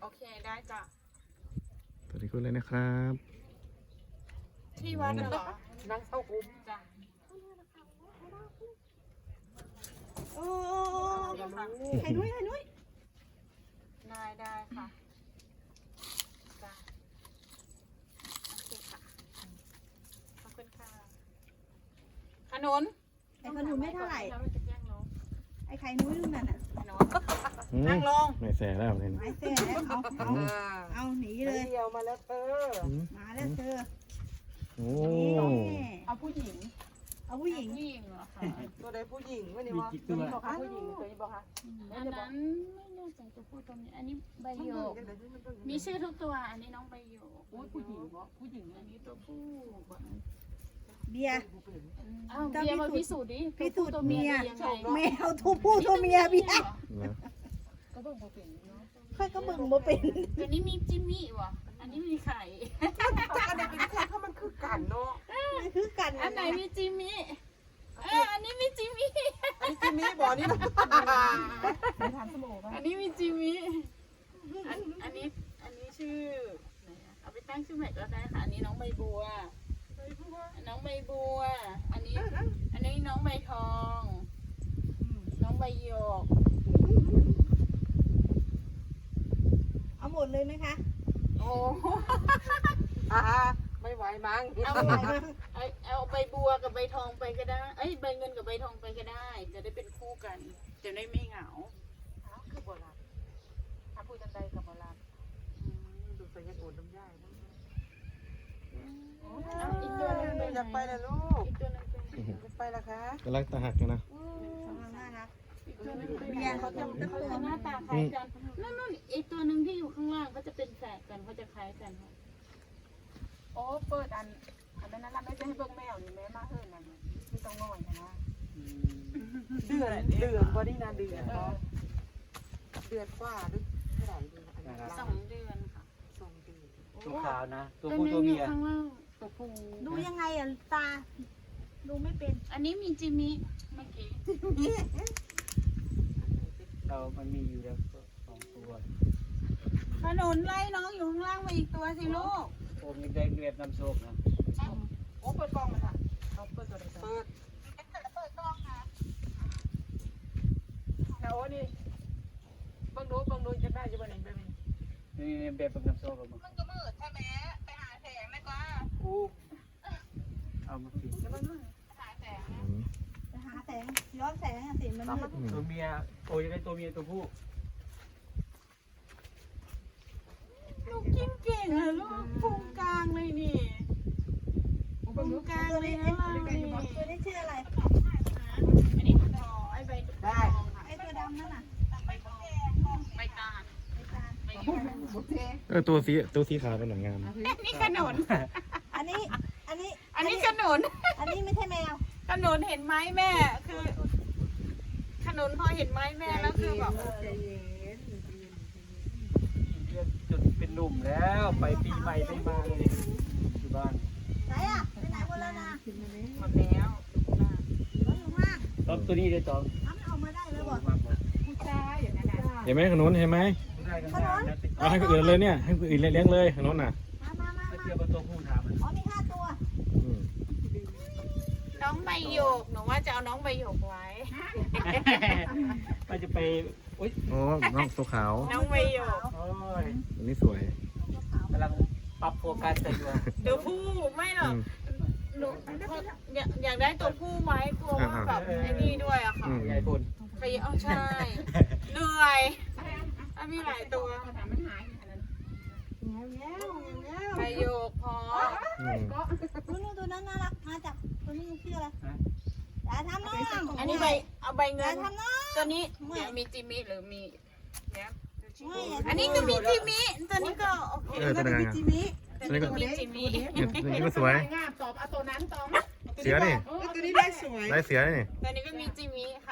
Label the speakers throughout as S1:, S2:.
S1: เคได้จ้ะ
S2: สวัสดีคุณเลยนะครับ
S1: ที่วัดน่ะเหรอ
S3: นั่งเข้าคุ้ม
S1: จ้ะ
S3: โอ้ไข่นุ้ยไข่นุ้ย
S1: ได้ค่ะจ้ะโอเคค่ะขอบคุณค่ะขนุน
S3: ไอ้ขนุนไม่เท่าไหร่
S1: แล้วมันจะแย่งน้อง
S3: ไอ้ไข่นุ้ยนู่นน่ะ
S1: ขนุนนั่งลง
S2: ไม่แสแล้วเนี่ย
S3: ไอ้เส้นแล้วเอาหนีเลย
S4: เดียวมาแล้วเธอ
S3: มาแล้วเธอ
S2: โอ้
S3: นี่
S1: เอาผู้หญิง
S3: เอาผู้หญิง
S1: ผู้หญิงเหรอคะ
S4: ตัวใดผู้หญิงวะนี่วะ
S1: ตัวนี้บอกค่ะผู้หญิงตัวนี้บอกค่ะ
S5: อันนั้นไม่แน่ใจตัวผู้ตัวนี้อันนี้ใบโยก มีชื่อทุกตัว อันนี้น้องใบโยก
S1: อุ้ยผู้หญิงเหรอผู้หญิงอันนี้ตัวผู้
S3: เบียร์
S5: อ้าวเบียร์มาพิสูจน์ดิ
S3: พิสูจน์
S5: ตัวผู้ตัวเมีย
S3: เมีย
S5: ดียังไง
S3: แมวตัวผู้ตัวเมียเบียร์
S2: นะ
S1: ก็เบิ่งบ่เป็นเนาะ
S3: ค่อยก็เบิ่งบ่เป็น
S5: ตัวนี้มีจิมมี่วะอันนี้มีไข่
S4: จักอันไหนเป็นใครเพราะมันคือกันเนาะ
S3: มันคือกัน
S5: อันไหนมีจิมมี่อันนี้มีจิมมี่
S4: อันนี้จิมมี่บอกนี่นะ
S1: ไม่ทานสมองป่ะ
S5: อันนี้มีจิมมี่อันนี้ชื่อไหนอะเอาไปตั้งชื่อใหม่ก็ได้ค่ะ อันนี้น้องใบบัว น้องใบบัว อันนี้น้องใบทอง น้องใบโยก
S3: เอาหมดเลยไหมคะ
S1: โอ้
S4: ไม่ไหวมั้ง
S5: เอาใบบัวกับใบทองไปก็ได้เอ้ยใบเงินกับใบทองไปก็ได้ จะได้เป็นคู่กัน จะได้ไม่เหงา
S1: คือโบราณถ้าพูดจังใดกับโบราณ
S4: ดูใส่ยาโกนน้ำย่ายนะ
S5: เอาอีกตัวหนึงไปไหน
S4: อยากไปแล้วลูก
S5: อีกตัวหนึงไปไหน
S4: อยากไปละคะ
S2: กำลังตาหักอยู่นะ
S3: น่ารัก
S5: อีกตัวหนึงไปไหน
S3: เบียร์เขาจะ
S5: เขาจะหน้าตาคล้ายกันนั่นอีกตัวหนึ่งที่อยู่ข้างล่างก็จะเป็นแฝดกันเขาจะคล้ายกันค่ะ
S1: โอ้เปิดอันนั้นละไม่ใช่ให้เบิ่งแมวนี่แม่มาเฮิ่นนั่นที่ต้องง่อยนะ
S4: เดือนพอดีนะเดือนเนาะเดือนกว่าหรือเท่าไหร่เดือนอันนี้
S5: 2 เดือนค่ะ
S4: 2 เดือน
S6: ตัวขาวนะ ตัว
S5: ตัว
S6: ผู้
S5: นี้
S6: ตัว
S5: อ
S6: เมี
S5: ยู่
S6: ย
S5: ข้างล่างตัวผู้
S3: ดูยังไงอ่ะตา ดูไม่เป็น
S5: อันนี้มีจิมมี่เมื่อกี้
S6: มันมีอยู่แล้วสองตัว
S5: ขนุนไล่น้องอยู่ข้างล่างมาอีกตัวสิลูก
S6: ผมยังได้เรียบน้ำโชคนะ
S1: โอ้เปิดกล้องเลยค่ะเขาเปิดตัวไหน
S4: เปิด
S1: แต่โอ้นี่เบิ่งดูจะได้จะเป็นยังไง
S6: นี่แบบน้ำโชคออกมา
S4: กู
S6: เอามาปิด
S2: อืม
S3: ไปหาแสงย้อนแสงอ่ะสิมันมืด
S6: ตัวเมียโอ้ยได้ตัวเมียตัวผู้
S5: ลูกกินเก่งอะลูกพุงกลางเลยนี่พุงกลางเลยนะเรานี่
S3: ตัวนี้ชื่ออะไร
S5: อันนี้ต่อไอ้ใบทองค่ะ
S3: ไอ้ตัวดำนั่นน่ะ
S5: ใบตาล
S3: ไอ้ตา
S5: ใบโยก
S2: ตัวสีขาวเป็นหนังงาม
S5: นี่ขนุน
S3: อันนี้
S5: อันนี้ขนุน
S3: อันนี้ไม่ใช่แมว
S5: ขนุนเห็นไหมแม่ คือขนุนพอเห็นไหมแม่แล้วคือแบบ
S6: เรียกจนเป็นหนุ่มแล้วไปปีใหม่ไปมาเลยอยู่บ้าน
S3: ไหนอ่ะไปไหนหมดแล้วนะ
S5: หมดแล้ว
S3: รถอยู่ข้างล่าง
S6: ตอนตัวนี้ได้ตอง
S3: เอามันออกมาได้แล้วบอก
S6: มากกว่า
S1: ผู้ชายอย่างนั้นนะ
S2: เห็นไหมขนุนเห็นไหม
S6: ได้กันนานนะติด
S2: เอาให้คนอื่นเลยเนี่ยให้คนอื่นเลี้ยงเลยขนุนน่ะ
S3: มา
S6: เทียบกับตัวผู้ถามมัน
S3: อ๋อมี5 ตัว
S2: อืม
S5: น้องใบโยกหนูว่าจะเอาน้องใบโยกไว้
S6: มันจะไปโอ๊ย
S2: โอ้น้องตัวขาว
S5: น้องใบโยก
S6: โอ้ย
S2: อันนี้สวย
S6: กำลังปรับโฟกัสกันอยู่
S5: ตัวผู้ไม่หรอก
S2: อืม
S5: หนูอยากได้ตัวผู้ไว้กลัวว่าแบบไอ้นี่ด้วยอะค่ะ
S2: อืม
S6: ยายพล
S5: ไปเอาใช่เหนื่อยถ้ามีหลายตัว
S1: ถามมันหายขนาดนั้น
S5: ใบโยกพอ
S2: อืม
S3: นู่นตัวนั้นน่ารักมาจากตัวนี้ชื่ออะไรอย่าทำน้อง
S5: อันนี้ใบเอาใบ
S3: อ
S5: เงิ
S3: ย่าน ทำน้อง
S5: ตัวนี้เดี๋ยวมีจิมมี่หรือมีเนี่ย
S3: ไม่อย่า
S5: อันนี้ก็มีจิมมี่ตัวนี้ก็โอเค
S2: ตัวไหนงาม
S3: จิมิ
S5: ตัวนี้ก็มีจิมมี่
S2: เนี่ยตัวนี้ก็สวย
S1: งามตอบเอาตัวนั้นตอบ
S2: เสือนี่
S4: ตัวนี้ได้สวย
S2: ได้เสือนี่
S5: ตัวนี้ก็มีจิมมี่ค่ะ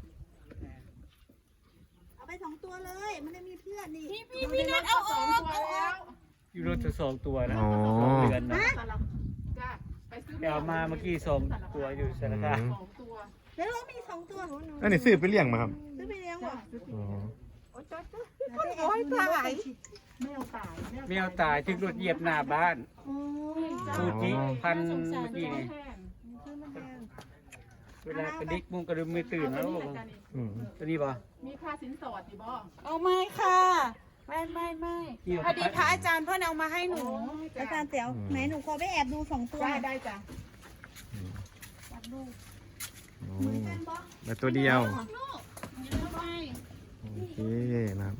S3: เอาไป2 ตัวเลยมันได้มีเพื่อนนี่
S5: พี่นัทเอาออก
S1: ตัวแล้ว
S6: อยู่รถจะ2 ตัวนะ
S2: อ๋อ
S6: 2 เดือนนะ
S1: จ้ะไปซื้อ
S6: ไปเอามาเมื่อกี้2 ตัวอยู่สารคาม
S1: 2 ตัว
S3: แล้วเรามี2 ตัว
S2: อันนี้ซื้อไปเลี้ยงมาครับ
S3: ซื้อไปเลี้ยงบ่
S2: อ๋อ
S4: โอ้ยถ่าย
S1: แมวตาย
S6: แมวตายถึงรถเหยียบหน้าบ้าน
S3: โอ้ย
S6: ซูจิพัน
S5: น่าสงสาร
S6: เมื่อกี้นี่
S1: แทน
S3: คือมันแพง
S6: เวลากระดิกมุงกระดึมมือตื่นแล้ว
S1: นี่แหละจ้ะนี่
S2: อืม
S6: ตัวนี้ป่ะ
S1: มีค่าสินสอดดิบ่
S5: เอาไม่ค่ะไม่พอดีพระอาจารย์เพื่อนเอามาให้หนู
S3: อาจารย์เตี๋ยวไหนหนูขอไปแอบดู2 ตัว
S1: ได้จ้ะ
S3: อยากดู
S2: โอ้
S3: เหมือนกันปะ
S2: แต่ตัวเดียว
S3: ลูก
S2: โอเคนะครับ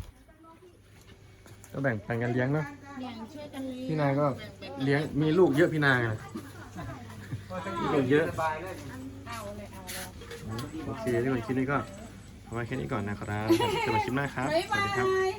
S2: ก็แบ่งปันกันเลี้ยงเนาะ
S5: อย่างช่วยกันเลี้ยง
S2: พี่นายก็เลี้ยงมีลูกเยอะพี่นายอะลูกเยอะ
S6: สบายเลย
S1: เอาเลยเอาเลย
S2: โอเคทุกคนคลิปนี้ก็ประมาณแค่นี้ก่อนนะครับเจอกันคลิปหน้าครับ
S5: บ๊าย
S2: สวั
S5: บา
S2: สดีครับ
S5: ย